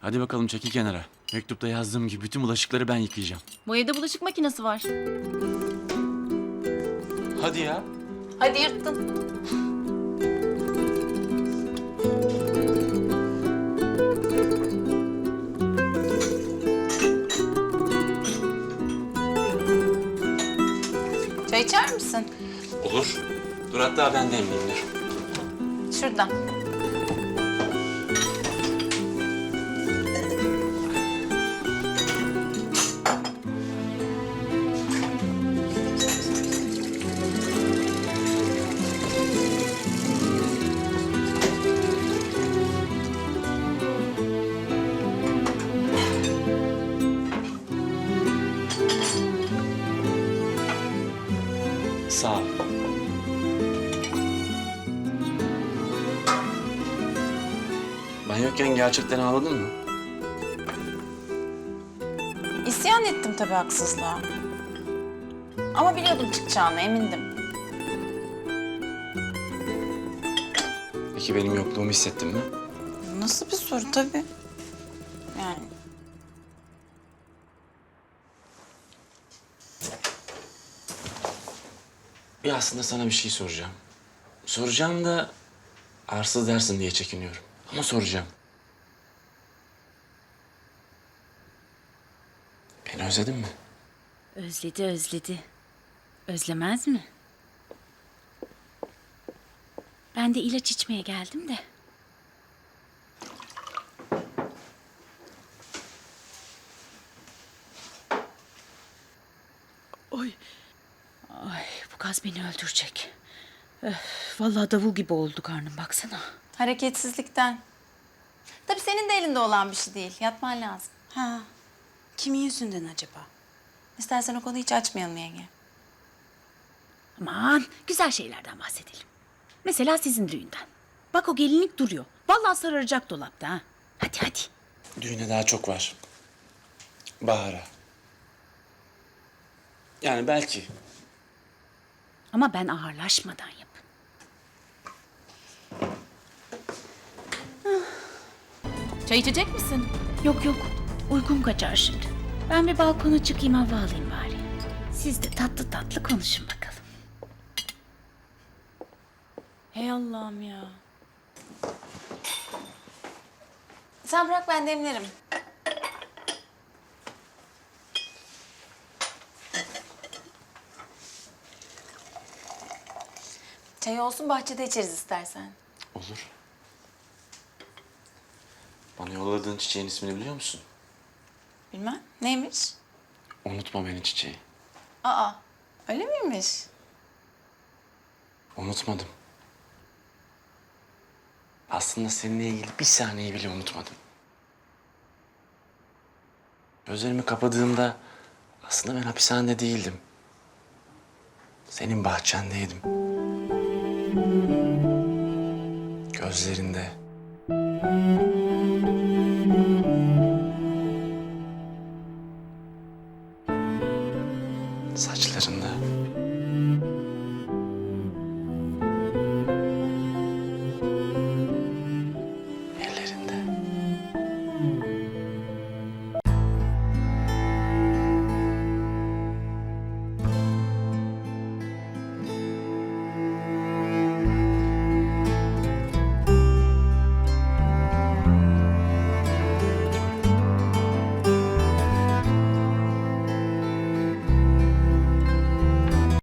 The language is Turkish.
Hadi bakalım çekil kenara. Mektupta yazdığım gibi bütün bulaşıkları ben yıkayacağım. Bu evde bulaşık makinesi var. Hadi ya. Hadi yırttın. Çay içer misin? Olur. Dur hatta ben demleyeyim dur. Şuradan. Sağ ol. Ben yokken gerçekten ağladın mı? İsyan ettim tabii haksızlığa. Ama biliyordum çıkacağını, emindim. Peki benim yokluğumu hissettin mi? Nasıl bir soru tabii. Yani Ya aslında sana bir şey soracağım. Soracağım da arsız dersin diye çekiniyorum. Ama soracağım. Beni özledin mi? Özledi, özledi. Özlemez mi? Ben de ilaç içmeye geldim de. Oy. Ay, bu gaz beni öldürecek. Vallahi davul gibi oldu karnım, baksana. hareketsizlikten. Tabii senin de elinde olan bir şey değil. Yatman lazım. Ha, kimin yüzünden acaba? İstersen o konuyu hiç açmayalım yenge. Aman, güzel şeylerden bahsedelim. Mesela sizin düğünden. Bak o gelinlik duruyor. Vallahi sararacak dolapta ha. Hadi hadi. Düğüne daha çok var. Bahar'a. Yani belki. Ama ben ağırlaşmadan yapın. Çay içecek misin? Yok yok, uykum kaçar şimdi. Ben bir balkona çıkayım, hava alayım bari. Siz de tatlı tatlı konuşun bakalım. Hey Allah'ım ya. Sen bırak ben demlerim. Çay olsun bahçede içeriz istersen. Olur. Bana yolladığın çiçeğin ismini biliyor musun? Bilmem. Neymiş? Unutma beni çiçeği. Aa, öyle miymiş? Unutmadım. Aslında seninle ilgili bir saniye bile unutmadım. Gözlerimi kapadığımda aslında ben hapishanede değildim. Senin bahçendeydim. Gözlerinde,